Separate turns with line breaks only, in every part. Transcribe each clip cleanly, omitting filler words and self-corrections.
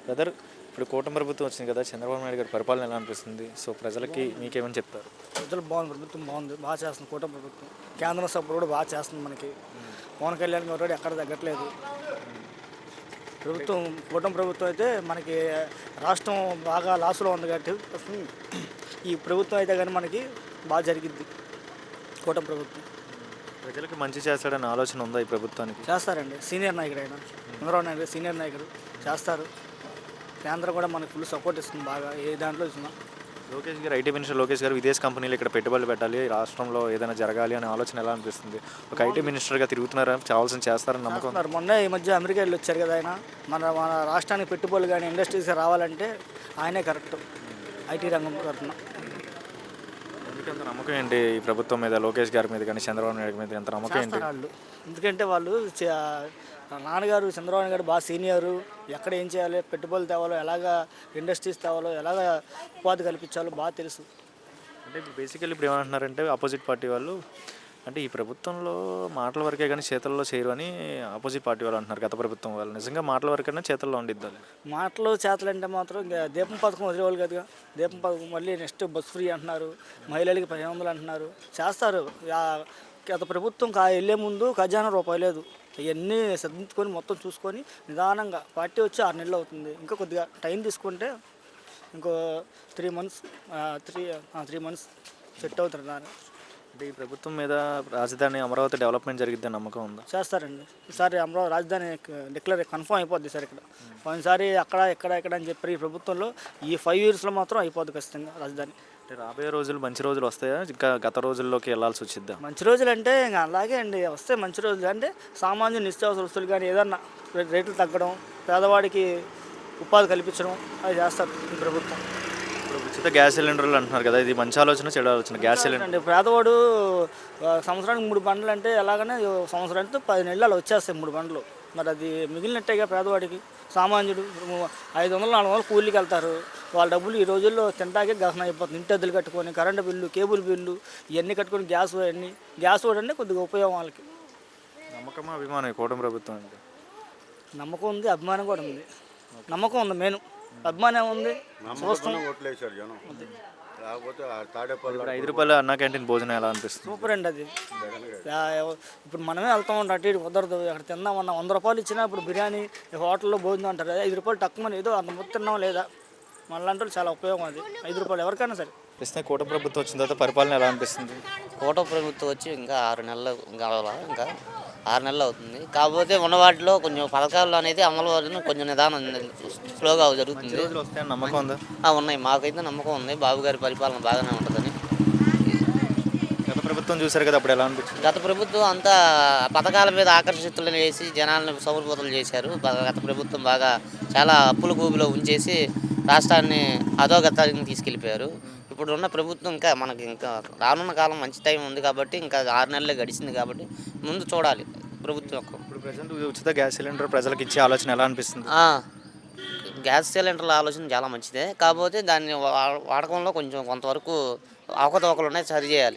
Brother, ఇప్పుడు కూటమి ప్రభుత్వం వచ్చింది కదా, చంద్రబాబు నాయుడు గారి పరిపాలన ఎలా అనిపిస్తుంది? సో ప్రజలకి మీకేమని చెప్తారు?
ప్రజలు బాగుంది, ప్రభుత్వం బాగుంది, బాగా చేస్తుంది కూటమి ప్రభుత్వం. కేంద్రం సపోర్ట్ కూడా బాగా చేస్తుంది మనకి. పవన్ కళ్యాణ్ గారు కూడా ఎక్కడ తగ్గట్లేదు. ప్రభుత్వం కూటమి ప్రభుత్వం అయితే మనకి రాష్ట్రం బాగా లాస్లో ఉంది కాబట్టి ఈ ప్రభుత్వం అయితే కానీ మనకి బాగా జరిగిద్ది. కూటమి ప్రభుత్వం
ప్రజలకి మంచి చేస్తాడని ఆలోచన ఉందా ఈ ప్రభుత్వానికి?
చేస్తారండి. సీనియర్ నాయకుడు అయినా చంద్రబాబు నాయుడు సీనియర్ నాయకుడు చేస్తారు. కేంద్రం కూడా మనకు ఫుల్ సపోర్ట్ ఇస్తుంది బాగా ఏ దాంట్లో ఇస్తున్నా.
లోకేష్ గారు, ఐటీ మినిస్టర్ లోకేష్ గారు విదేశీ కంపెనీలు ఇక్కడ పెట్టుబడులు పెట్టాలి, రాష్ట్రంలో ఏదైనా జరగాలి అనే ఆలోచన ఎలా అనిపిస్తుంది? ఒక ఐటీ మినిస్టర్గా తిరుగుతున్నారా, చావాల్సిన చేస్తారని నమ్మకం?
చేస్తున్నారు. మొన్న ఈ మధ్య అమెరికా వెళ్ళి వచ్చారు కదా ఆయన. మన రాష్ట్రానికి పెట్టుబడులు కానీ ఇండస్ట్రీస్ రావాలంటే ఆయనే కరెక్ట్ ఐటీ రంగం తరఫున.
ఎందుకంత నమ్మకం ఏంటి ఈ ప్రభుత్వం మీద, లోకేష్ గారి మీద కానీ చంద్రబాబు నాయుడు మీద ఎంత నమ్మకం ఏంటి?
వాళ్ళు ఎందుకంటే వాళ్ళు నాన్నగారు చంద్రబాబు గారు బాగా సీనియరు. ఎక్కడ ఏం చేయాలి, పెట్టుబడులు తేవాలో, ఎలాగ ఇండస్ట్రీస్ తేవాలో, ఎలాగ ఉపాధి కల్పించాలో బాగా తెలుసు.
అంటే ఇప్పుడు బేసికల్లీ ఇప్పుడు ఏమంటున్నారంటే ఆపోజిట్ పార్టీ వాళ్ళు, అంటే ఈ ప్రభుత్వంలో మాటల వరకే కానీ చేతల్లో చేయరు అని ఆపోజిట్ పార్టీ వాళ్ళు అంటున్నారు. గత ప్రభుత్వం వాళ్ళు నిజంగా మాటల వరకైనా చేతల్లో ఉండిద్దాలి.
మాటలు చేతలు అంటే మాత్రం ఇంకా దీపం పథకం వదిలేవాళ్ళు కదా. దీపం పథకం మళ్ళీ నెక్స్ట్ బస్ ఫ్రీ అంటున్నారు, మహిళలకి 1500 అంటున్నారు. చేస్తారు. గత ప్రభుత్వం వెళ్ళే ముందు ఖజానా రూపాయి లేదు. ఇవన్నీ సర్దించుకొని మొత్తం చూసుకొని నిదానంగా పార్టీ వచ్చి 6 నెలలు అవుతుంది. ఇంకా కొద్దిగా టైం తీసుకుంటే ఇంకో 3 మంత్స్ 3 మంత్స్ సెట్ అవుతుంది దాన్ని.
అంటే ఈ ప్రభుత్వం మీద రాజధాని అమరావతి డెవలప్మెంట్ జరిగిద్దని నమ్మకం ఉందా?
చేస్తారండి. ఈసారి అమరావతి రాజధాని కన్ఫర్మ్ అయిపోద్ది సార్. ఇక్కడ పోయినసారి అక్కడ ఇక్కడ అని చెప్పి ఈ ప్రభుత్వంలో ఈ 5 yearsలో మాత్రం అయిపోద్ది ఖచ్చితంగా రాజధాని.
అంటే రాబోయే రోజులు మంచి రోజులు వస్తాయా, ఇంకా గత రోజుల్లోకి వెళ్ళాల్సి వచ్చిద్దా?
మంచి రోజులు అంటే ఇంకా అలాగే అండి వస్తే మంచి రోజులు. అంటే సామాన్య నిత్యావసర వస్తువులు కానీ ఏదన్నా రేట్లు తగ్గడం, పేదవాడికి ఉపాధి కల్పించడం అది చేస్తారు ఈ ప్రభుత్వం.
ఇప్పుడు ఉచిత గ్యాస్ సిలిండర్లు అంటున్నారు కదా, ఇది మంచి ఆలోచన చెడు ఆలోచన? గ్యాస్ సిలిండర్
అండి పేదవాడు సంవత్సరానికి 3 బండ్లు అంటే ఎలాగనే సంవత్సరానికి 10 నెలలు వచ్చేస్తాయి 3 బండ్లు. మరి అది మిగిలినట్టేగా పేదవాడికి. సామాన్యుడు 500-400 కూలీకి వెళ్తారు. వాళ్ళ డబ్బులు ఈ రోజుల్లో తింటాకే గహన అయిపోతుంది. ఇంటి అద్దెలు కట్టుకొని, కరెంటు బిల్లు, కేబుల్ బిల్లు ఇవన్నీ కట్టుకొని గ్యాస్ కూడా అంటే కొద్దిగా ఉపయోగం వాళ్ళకి.
నమ్మకమా అభిమానం ఈ కూటమి ప్రభుత్వం అంటే?
నమ్మకం ఉంది, అభిమానం కూడా ఉంది. నమ్మకం ఉంది మెయిన్, అభిమానం ఉంది.
ఇప్పుడు 5 రూపాయల అన్నా క్యాంటీన్ భోజనం ఎలా అనిపిస్తుంది?
సూపర్ అండి అది. ఇప్పుడు మనమే వెళ్తాం ఉంటాం, అటు ఇటు కుదరదు. అక్కడ తిందామన్నా 100 రూపాయలు ఇచ్చినా ఇప్పుడు బిర్యానీ హోటల్లో భోజనం అంటారు. 5 రూపాయలు తక్కువ ఏదో అంత మొత్తం తిన్నాం లేదా మళ్ళీ చాలా ఉపయోగం అది. 5 రూపాయలు ఎవరికైనా సరే.
ప్రస్తుతం కూటమి ప్రభుత్వం వచ్చిన తర్వాత పరిపాలన ఎలా అనిపిస్తుంది?
కూటమి ప్రభుత్వం వచ్చి ఇంకా 6 నెలలు కావాలా, ఇంకా 6 నెలలు అవుతుంది. కాకపోతే ఉన్న వాటిలో కొంచెం పథకాలు అనేది అమలు కొంచెం నిదానం స్లోగా జరుగుతుంది.
నమ్మకం ఉందా?
ఉన్నాయి, మాకైతే నమ్మకం ఉంది. బాబు గారి పరిపాలన బాగానే ఉంటుందని.
గత ప్రభుత్వం చూశారు కదా, అప్పుడు ఎలా అనిపించింది?
గత ప్రభుత్వం అంతా పథకాల మీద ఆకర్షితులను వేసి జనాలను సౌరబోతలు చేశారు. గత ప్రభుత్వం బాగా చాలా అప్పుల కూబిలో ఉంచేసి రాష్ట్రాన్ని అధోగతానికి తీసుకెళ్ళిపోయారు. ఇప్పుడు ఉన్న ప్రభుత్వం ఇంకా రానున్న కాలం మంచి టైం ఉంది కాబట్టి ఇంకా 6 నెలలే గడిచింది కాబట్టి ముందు చూడాలి ప్రభుత్వం.
ఇప్పుడు ప్రజెంట్ ఉచిత గ్యాస్ సిలిండర్ ప్రజలకు ఇచ్చే ఆలోచన ఎలా అనిపిస్తుంది?
గ్యాస్ సిలిండర్ల ఆలోచన చాలా మంచిదే. కాకపోతే దాన్ని వాడకంలో కొంతవరకు అవకతవకలు ఉన్నాయి, సరి చేయాలి.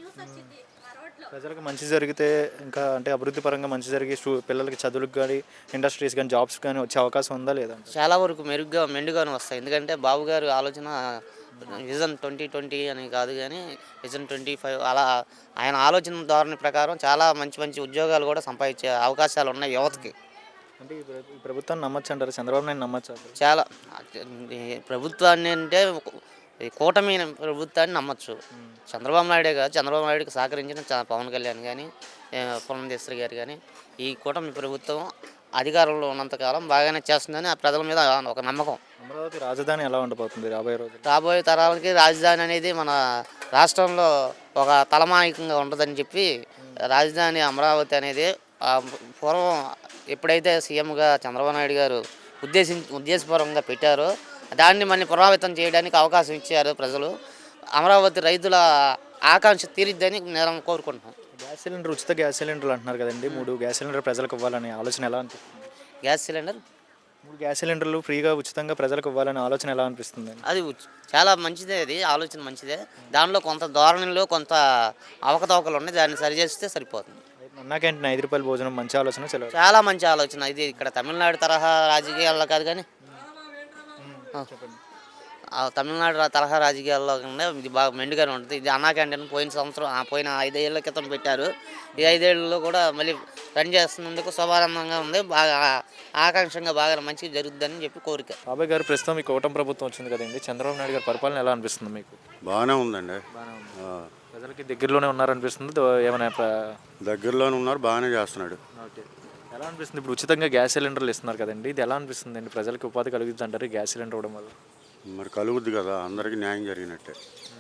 ప్రజలకు మంచి జరిగితే ఇంకా అంటే అభివృద్ధి పరంగా మంచి జరిగి పిల్లలకి చదువులకు కానీ ఇండస్ట్రీస్ కానీ జాబ్స్ కానీ వచ్చే అవకాశం ఉందా లేదా?
చాలా వరకు మెండుగానే వస్తాయి. ఎందుకంటే బాబు గారు ఆలోచన విజన్ 2020 అని కాదు కానీ విజన్ 25 అలా ఆయన ఆలోచన ధోరణి ప్రకారం చాలా మంచి ఉద్యోగాలు కూడా సంపాదించే అవకాశాలు ఉన్నాయి యువతకి.
అంటే ఈ ప్రభుత్వాన్ని నమ్మచ్చు అంటారు? చంద్రబాబు నాయుడు నమ్మచ్చు? చాలా
ప్రభుత్వాన్ని అంటే కూటమి ప్రభుత్వాన్ని నమ్మచ్చు. చంద్రబాబు నాయుడే కాదు, చంద్రబాబు నాయుడుకి సహకరించిన పవన్ కళ్యాణ్ కానీ పురంధేశ్వరి గారు కానీ ఈ కూటమి ప్రభుత్వం అధికారంలో ఉన్నంతకాలం బాగానే చేస్తుందని ఆ ప్రజల మీద ఒక నమ్మకం.
అమరావతి రాజధాని ఎలా ఉండబోతుంది
రాబోయే తరాలకి? రాజధాని అనేది మన రాష్ట్రంలో ఒక తలమానికంగా ఉంటుందని చెప్పి రాజధాని అమరావతి అనేది పూర్వం ఎప్పుడైతే సీఎంగా చంద్రబాబు నాయుడు గారు ఉద్దేశపూర్వకంగా పెట్టారో దాన్ని మళ్ళీ ప్రభావితం చేయడానికి అవకాశం ఇచ్చారు ప్రజలు. అమరావతి రైతుల ఆకాంక్ష తీరిద్దని నేను కోరుకుంటున్నాను.
గ్యాస్ సిలిండర్, ఉచిత గ్యాస్ సిలిండర్లు అంటున్నారు కదండి, 3 గ్యాస్ సిలిండర్ ప్రజలకు ఇవ్వాలనే ఆలోచన ఎలా అనిపిస్తుంది?
గ్యాస్ సిలిండర్
3 గ్యాస్ సిలిండర్లు ఫ్రీగా ఉచితంగా ప్రజలకు ఇవ్వాలనే ఆలోచన ఎలా అనిపిస్తుంది?
అది చాలా మంచిదే, అది ఆలోచన మంచిదే. దానిలో కొంత ధోరణిలో కొంత అవకతవకలు ఉన్నాయి, దాన్ని సరిచేస్తే సరిపోతుంది.
అన్నా క్యాంటీన్ 5 రూపాయల భోజనం మంచి ఆలోచన,
చాలా మంచి ఆలోచన. ఇది ఇక్కడ తమిళనాడు తరహా రాజకీయాల్లో కాదు కానీ
చెప్పండి.
తమిళనాడు తరహా రాజకీయాల్లో కన్నా ఇది బాగా మెండుగానే ఉంటుంది. ఇది అన్నా క్యాంటీన్ పోయిన సంవత్సరం పోయిన 5 ఏళ్ల క్రితం పెట్టారు. ఈ 5 ఏళ్లలో కూడా మళ్ళీ రన్ చేస్తున్నందుకు శుభారంభంగా ఉంది. బాగా ఆకాంక్షంగా బాగా మంచిగా జరుగుతుందని చెప్పి కోరిక.
బాబాయ్ గారు ప్రస్తుతం ఈ కూటమి ప్రభుత్వం వచ్చింది కదండి, చంద్రబాబు నాయుడు గారి పరిపాలన ఎలా అనిపిస్తుంది మీకు?
బాగానే ఉందండి.
బాగానే ఉంది.
ఆ,
ప్రజలకి దగ్గరలోనే ఉన్నారనిపిస్తుంది. ఏమైనా
దగ్గరలోనే ఉన్నారు, బాగానే చేస్తున్నాడు.
ఓకే, ఎలా అనిపిస్తుంది ఇప్పుడు ఉచితంగా గ్యాస్ సిలిండర్లు ఇస్తున్నారు కదండి, ఇది ఎలా అనిపిస్తుంది అండి? ప్రజలకి ఉపాధి కలుగుతుంది అంటారు ఈ గ్యాస్ సిలిండర్ ఇవ్వడం వల్ల?
మరి కలుగుద్ది కదా, అందరికీ న్యాయం జరిగినట్టే.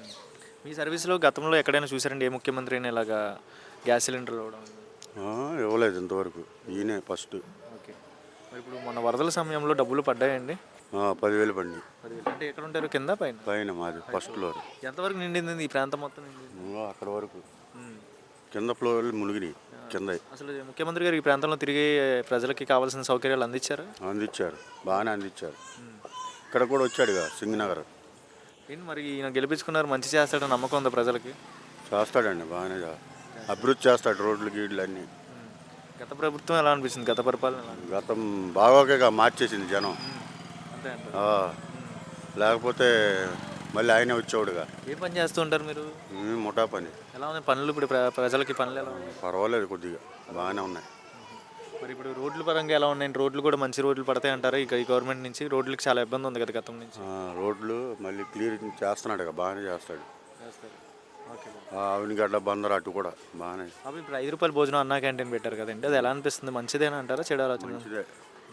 మీ సర్వీస్లో గతంలో ఎక్కడైనా చూసారండి ఏ ముఖ్యమంత్రి అయినా ఇలాగా గ్యాస్ సిలిండర్లు ఇవ్వడం?
ఇవ్వలేదు ఇంతవరకు, ఈయనే ఫస్ట్.
ఓకే, మరి ఇప్పుడు మన వరదల సమయంలో డబ్బులు పడ్డాయండి?
10,000 పండి
10,000 అంటే ఎక్కడ ఉంటారు, కింద పైన?
పైన మాది ఫస్ట్ ఫ్లోర్.
ఎంతవరకు నిండింది ఈ ప్రాంతం మొత్తం నిండింది?
అక్కడ వరకు కింద ఫ్లోర్ మునిగినాయి కింద.
అసలు ముఖ్యమంత్రి గారు ఈ ప్రాంతంలో తిరిగి ప్రజలకి కావాల్సిన సౌకర్యాలు అందించారు?
అందించారు, బాగానే అందించారు. ఇక్కడ కూడా వచ్చాడుగా సింగనగర్.
ఏంటి మరి ఈయన గెలిపించుకున్నారు, మంచి చేస్తాడని నమ్మకం ఉందా ప్రజలకి?
చేస్తాడండి, బాగానే అభివృద్ధి చేస్తాడు, రోడ్లు గీడ్లు అన్నీ.
గత ప్రభుత్వం ఎలా అనిపిస్తుంది, గత పరిపాలన ఎలా?
గతం బాగోగా మార్చేసింది జనం.
అంతే అంటారు.
ఆ, లేకపోతే మళ్ళీ ఆయనే వచ్చేవాడుగా.
ఏం పని చేస్తూ ఉంటారు మీరు?
ముఠా పని.
ఎలా ఉన్నాయి పనులు ఇప్పుడు ప్రజలకి పనులు ఎలా ఉన్నాయి?
పర్వాలేదు, కొద్దిగా బాగానే ఉన్నాయి.
మరి ఇప్పుడు రోడ్ల పరంగా ఎలా ఉన్నాయి? రోడ్లు కూడా మంచి రోడ్లు పడతాయి అంటారా ఇక ఈ గవర్నమెంట్ నుంచి? రోడ్లకి చాలా ఇబ్బంది ఉంది కదా గతం నుంచి.
రోడ్లు మళ్ళీ క్లియర్ చేస్తున్నాడు, బాగానే చేస్తాడు.
చేస్తారు. ఓకే,
ఆవినిగడ్డ బందర్ అటు కూడా బాగానే.
అవి ఇప్పుడు 5 రూపాయల భోజనం అన్నా క్యాంటీన్ పెట్టారు కదండి, అది ఎలా అనిపిస్తుంది? మంచిదేనా అంటారా, చెడు ఆలోచన?
మంచిదే.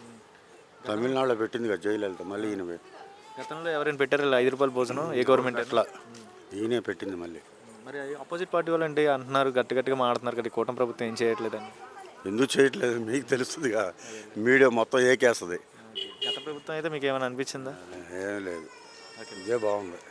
తమిళనాడులో పెట్టింది కదా జయలలిత, మళ్ళీ ఈయన
గతంలో ఎవరైనా పెట్టారు ఇలా 5 రూపాయల భోజనం? ఏ గవర్నమెంట్
అట్లా ఈయనే పెట్టింది మళ్ళీ.
మరి ఆపోజిట్ పార్టీ వాళ్ళు అంటే అంటున్నారు, గట్టిగా మాడుతున్నారు కదా, ఈ కూటమి ప్రభుత్వం ఏం చేయట్లేదని.
ఎందుకు చేయట్లేదు మీకు తెలుస్తుందిగా, మీడియా మొత్తం ఏకేస్తుంది.
గత ప్రభుత్వం అయితే మీకు ఏమైనా అనిపించిందా?
ఏం లేదు, ఇదే బాగుంది.